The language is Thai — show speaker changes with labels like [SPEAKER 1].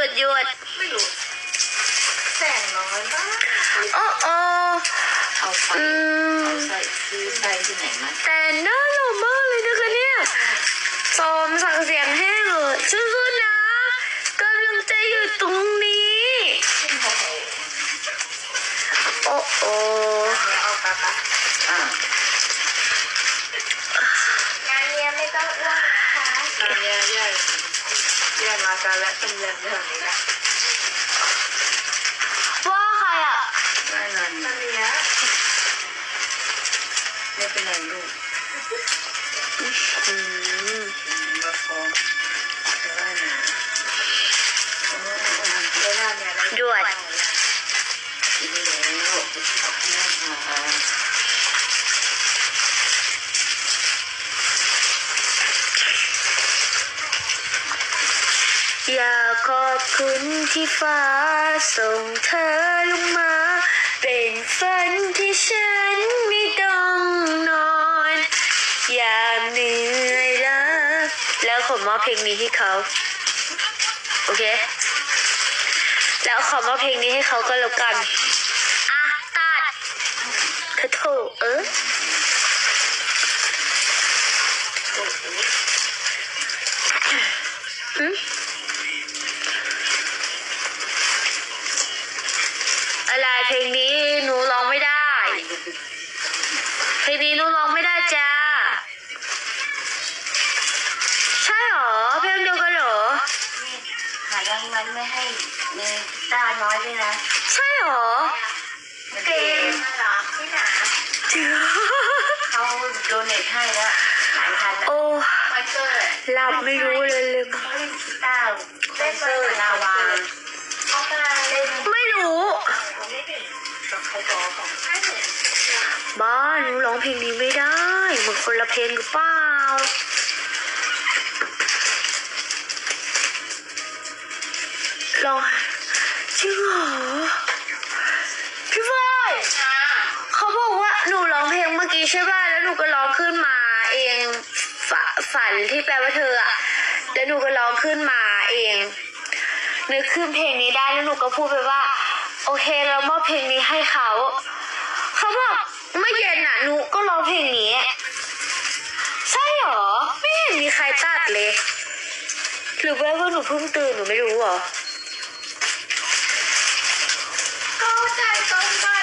[SPEAKER 1] หยุด
[SPEAKER 2] ไม่รู้แสงน้อยมาก
[SPEAKER 1] โอ้
[SPEAKER 2] เอาไปเอาใส่ซื้อใส่ที่ไหนมา
[SPEAKER 1] แต่น่าหล่อมากเลยนะคะเนี่ยสมสั่งเสียงแห้งเลยสู้ๆนะกำลังใจอยู่ตรงนี้โอ้
[SPEAKER 2] เอาปะ
[SPEAKER 3] งานเนี้ยไม่ต้องอ้วนนะคะ
[SPEAKER 2] งานเนี้ยแย่มากันแล้วเป็นเรื่องนี้แหละ
[SPEAKER 1] ว่าใครอ่ะ
[SPEAKER 2] ไม่นานนี้ไม่เป็นไรลูกมาฟ้องจะได้ไหม
[SPEAKER 1] หยุดอยากขอบคุณที่ฟ้าส่งเธอลงมาเป็นฝันที่ฉันไม่ต้องนอนยามเหนื่อยล้าแล้วขอมอบเพลงนี้ให้เขาโอเคแล้วขอมอบเพลงนี้ให้เขาก็แล้วกันอ่ะตัดเธอโถอะไรเพลงนี้หนูร้องไม่ได้เพลงนี้หนูร้องไม่ได้จ้าใช่หรอเพลงเดียวกันหรอ
[SPEAKER 3] หายังมันไม่ให้มีตาน้อยด้วยนะ
[SPEAKER 1] ใช่หรอ
[SPEAKER 3] เกมหรอที่ไหนเขาโดเนทให้แล้วหลายพันแล้ว
[SPEAKER 1] โอ้
[SPEAKER 3] วันเกิด
[SPEAKER 1] หลับไม่รู้เลย
[SPEAKER 3] เขาเล่นกีตาร์เล่นเซอร์ลาวาเขากำลังเล่น
[SPEAKER 1] ไม่รู้บ้าหนูร้องเพลงนี้ไม่ได้เหมือนคนละเพลงหรือเปล่าร้องจริงเหรอพี่ฟอยเขาบอกว่าหนูร้องเพลงเมื่อกี้ใช่ป่ะแล้วหนูก็ร้องขึ้นมาเองฝันที่แปลว่าเธออะแล้วหนูก็ร้องขึ้นมาเองนึกขึ้นเพลงนี้ได้แล้วหนูก็พูดไปว่าโอเคเรามอบเพลงนี้ให้เขาบอกเมื่อเย็นน่ะหนูก็ร้องเพลงนี้ใช่หรอไม่เห็นมีใครตัดเลยหรือว่าหนูเพิ่งตื่นหนูไม่รู้หรอ
[SPEAKER 3] เข้าใจตรงกัน